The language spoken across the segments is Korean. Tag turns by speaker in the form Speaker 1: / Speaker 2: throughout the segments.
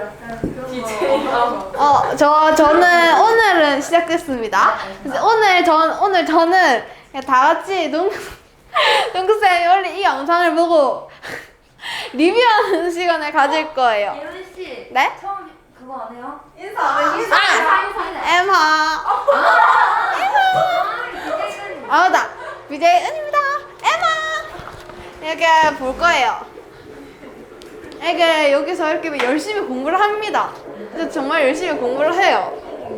Speaker 1: 저는 오늘은 시작됐습니다. 오늘 저는 그냥 다 같이 농구쌤이 원래 이 영상을 보고 리뷰하는 시간을 가질 거예요.
Speaker 2: 예은 씨.
Speaker 1: 네?
Speaker 2: 처음 그거 안 해요?
Speaker 3: 인사 안 해.
Speaker 1: 엠하. 나 BJ 은입니다. 엠하. 이렇게 볼 거예요. 이게 여기서 이렇게 열심히 공부를 합니다. 진짜 정말 열심히 공부를 해요.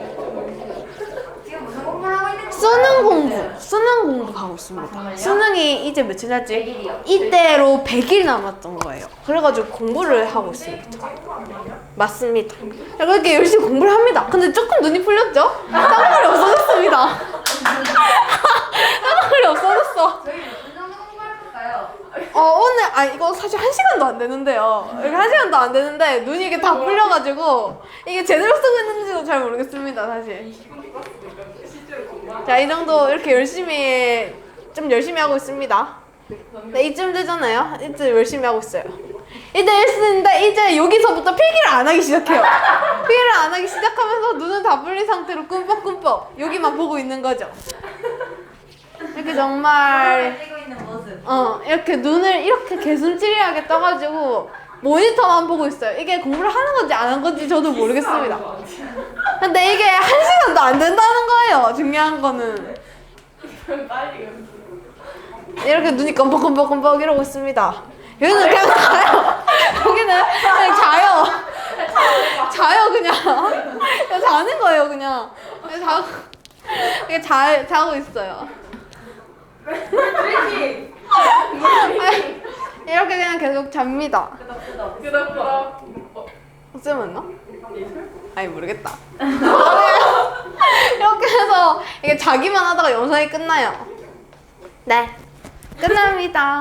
Speaker 2: 지금 무슨 공부를 하고 있는 거예요?
Speaker 1: 수능 공부하고 있습니다. 수능이 이제 며칠 났지?
Speaker 2: 100일이요.
Speaker 1: 이때로 100일 남았던 거예요. 그래가지고 공부를 하고 있습니다. 맞습니다. 이렇게 열심히 공부를 합니다. 근데 조금 눈이 풀렸죠? 땀물이 없어졌습니다. 땀물이 없어졌어.
Speaker 2: 저희 무슨 정도 공부해볼까요?
Speaker 1: 오늘 이거 사실 1시간도 안 되는데요. 이렇게 1시간도 안 되는데 눈이 이게 다 풀려가지고 이게 제대로 쓰고 있는지도 잘 모르겠습니다, 사실. 자, 이 정도 이렇게 좀 열심히 하고 있습니다. 네, 이쯤 되잖아요. 이쯤 열심히 하고 있어요. 이제 했는데 이제 여기서부터 필기를 안 하기 시작해요. 필기를 안 하기 시작하면서 눈은 다 풀린 상태로 꿈뻑꿈뻑 여기만 보고 있는 거죠. 이렇게 정말
Speaker 2: 찍고 있는 모습.
Speaker 1: 이렇게 눈을 이렇게 개슴츠레하게 떠가지고 모니터만 보고 있어요. 이게 공부를 하는 건지 안 하는 건지 저도 모르겠습니다. 근데 이게 1시간도 안 된다는 거예요. 중요한 거는 이렇게 눈이 껌뻑껌뻑껌뻑 이러고 있습니다. 여기는 그냥 자요. 여기는 그냥 자요. 자요 그냥. 그냥 자는 거예요 그냥. 그냥 자고 있어요. 이렇게 그냥 계속 잡니다. 쌤 맞나? 아니 모르겠다. 이렇게 해서 이게 자기만 하다가 영상이 끝나요. 네, 끝납니다.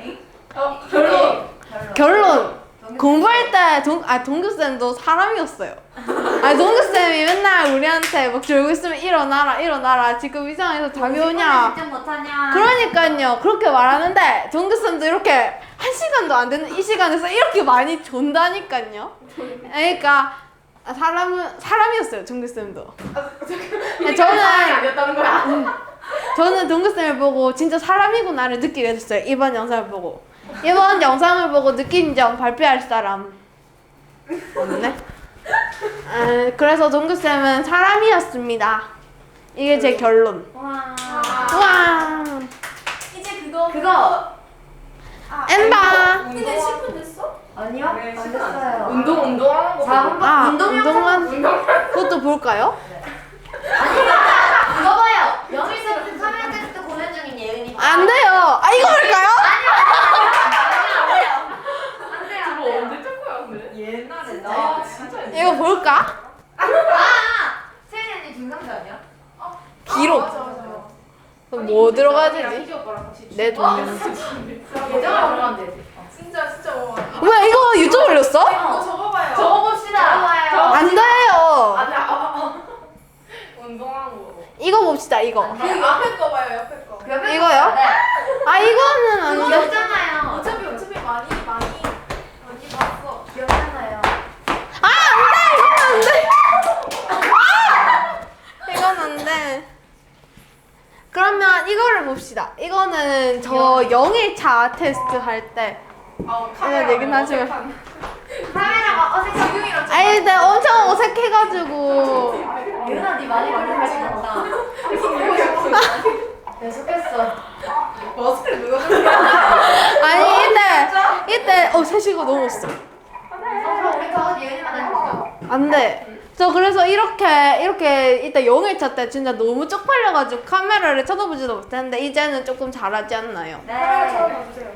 Speaker 1: 결론. 공부할 때 동규쌤도 사람이었어요. 동규쌤이 맨날 우리한테 막 졸고 있으면 일어나라 지금 이 상황에서 잠이 오냐.
Speaker 2: 진짜 못하냐.
Speaker 1: 그러니까요. 그렇게 말하는데 동규쌤도 이렇게 1시간도 안 되는 이 시간에서 이렇게 많이 존다니까요. 그러니까 사람이었어요. 동규쌤도. 저는 동규쌤을 보고 진짜 사람이구나를 느끼게 됐어요. 이번 영상을 보고. 이번 영상을 보고 느낀 점 발표할 사람 없네? 그래서 동규쌤은 사람이었습니다. 이게 제 결론.
Speaker 2: 와.
Speaker 3: 이제
Speaker 2: 그거.
Speaker 1: 엠바.
Speaker 3: 근데 10분 됐어?
Speaker 2: 아니요? 안 됐어요.
Speaker 3: 운동하는 거.
Speaker 2: 4분
Speaker 1: 운동만 그것도 볼까요?
Speaker 2: 그거 봐요. 영일 쌤 카메라 테스트 고민 중인 예은이.
Speaker 1: 안 돼요. 이거 볼까요?
Speaker 2: 옛날에
Speaker 3: 아, 진짜
Speaker 1: 이거 볼까?
Speaker 2: 세연이 언니 중상자 아니야?
Speaker 1: 기록.
Speaker 3: 맞아.
Speaker 1: 그럼 뭐 들어가야 되지? 내 동영.
Speaker 2: 예전에 올라가면 되지.
Speaker 3: 진짜 뭐.
Speaker 1: 왜 이거 유튜브 올렸어?
Speaker 3: 이거 적어봐요.
Speaker 2: 적어봐요.
Speaker 1: 안 돼요.
Speaker 3: 운동하는 거.
Speaker 1: 이거 봅시다. 이거.
Speaker 3: 그 옆에 거 봐요. 옆에 거.
Speaker 1: 이거요? 이거는 안
Speaker 2: 그거
Speaker 1: 돼.
Speaker 2: 없잖아요.
Speaker 3: 어차피 많이 봤어.
Speaker 2: 기억나요.
Speaker 1: 안 돼. 이건 안 돼. 그러면 이거를 봅시다. 이거는 저 0일차 테스트 할 때.
Speaker 3: 카메라
Speaker 1: 얘기는 하지만.
Speaker 2: 카메라가 어색해.
Speaker 3: 지금이랑
Speaker 1: 근데 엄청 어색해가지고.
Speaker 2: 예은아 니 많이 걸릴 수 있다. 계속했어.
Speaker 3: 머스크를 누가 좀.
Speaker 1: 이때 3시간 넘었어.
Speaker 2: 그럼 우리 더 예은이만 해볼까?
Speaker 1: 안 돼. 저 그래서 이렇게 이때 0일차 때 진짜 너무 쪽팔려가지고 카메라를 쳐다보지도 못했는데 이제는 조금 잘하지 않나요?
Speaker 3: 카메라 처음
Speaker 2: 네.
Speaker 3: 봐주세요.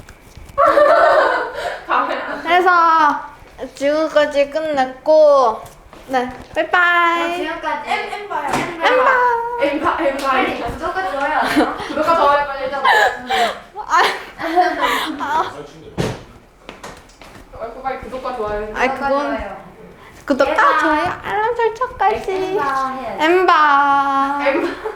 Speaker 3: 카메라.
Speaker 1: 그래서 지금까지 끝냈고 네 빠이빠이.
Speaker 2: 지금까지
Speaker 3: M 봐요.
Speaker 1: 엠바.
Speaker 2: 빨리 구독과 좋아요.
Speaker 3: 구독과 좋아요 빨리 해줘. 빨리 구독과 좋아요.
Speaker 1: 그건 구독과 좋아요 알람 설정까지.
Speaker 2: 엠바 해.
Speaker 1: 엠바.